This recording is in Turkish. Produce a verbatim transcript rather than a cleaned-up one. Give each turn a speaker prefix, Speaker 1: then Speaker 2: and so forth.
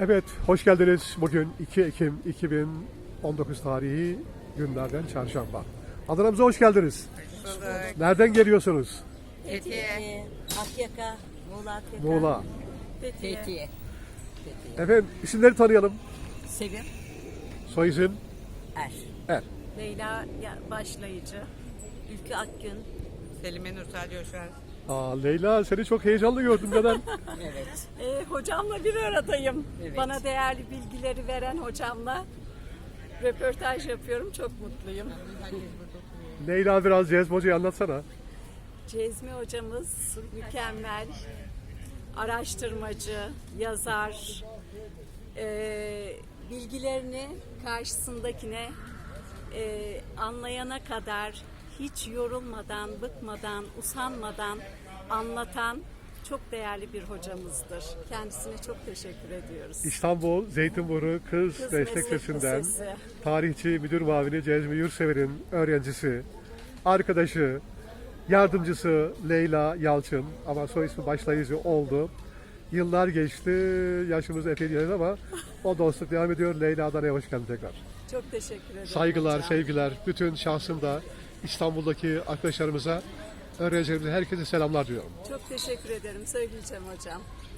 Speaker 1: Evet, hoş geldiniz. Bugün iki Ekim iki bin on dokuz tarihi günlerden çarşamba. Adana'mıza hoş geldiniz.
Speaker 2: Bulduk.
Speaker 1: Nereden geliyorsunuz?
Speaker 2: Fethiye.
Speaker 3: Akyaka, Muğla Akyaka.
Speaker 1: Muğla.
Speaker 3: Fethiye.
Speaker 2: Fethiye.
Speaker 1: Efendim, isimleri tanıyalım.
Speaker 2: Sevim.
Speaker 1: Soy isim
Speaker 2: Er.
Speaker 1: Er.
Speaker 3: Leyla ya- Başlayıcı. Ülkü Akgün.
Speaker 2: Selime Nursel Coşar.
Speaker 1: Aa, Leyla, seni çok heyecanlı gördüm. Neden?
Speaker 2: Evet.
Speaker 3: Ee, hocamla bir aradayım.
Speaker 2: Evet.
Speaker 3: Bana değerli bilgileri veren hocamla röportaj yapıyorum. Çok mutluyum.
Speaker 1: Leyla, biraz Cezmi Hoca'yı anlatsana.
Speaker 3: Cezmi hocamız mükemmel. Araştırmacı, yazar. Ee, bilgilerini karşısındakine e, anlayana kadar hiç yorulmadan, bıkmadan, usanmadan anlatan çok değerli bir hocamızdır. Kendisine çok teşekkür ediyoruz.
Speaker 1: İstanbul Zeytinburnu Kız,
Speaker 3: Kız
Speaker 1: Meslek
Speaker 3: Meslek
Speaker 1: Lisesi'nden
Speaker 3: Lisesi.
Speaker 1: tarihçi müdür muavini Cezmi Yurtsever'in öğrencisi, arkadaşı, yardımcısı Leyla Yalçın, ama soy ismi Başlayıcı oldu. Yıllar geçti, yaşımız epey ilerledi ama o dostluk devam ediyor. Leyla, Adana'ya hoş geldin tekrar.
Speaker 3: Çok teşekkür ederim
Speaker 1: Saygılar,
Speaker 3: hocam.
Speaker 1: sevgiler, bütün şahsımda İstanbul'daki arkadaşlarımıza, öğrencilerimize, herkese selamlar diyorum.
Speaker 3: Çok teşekkür ederim. Söyleyeceğim hocam.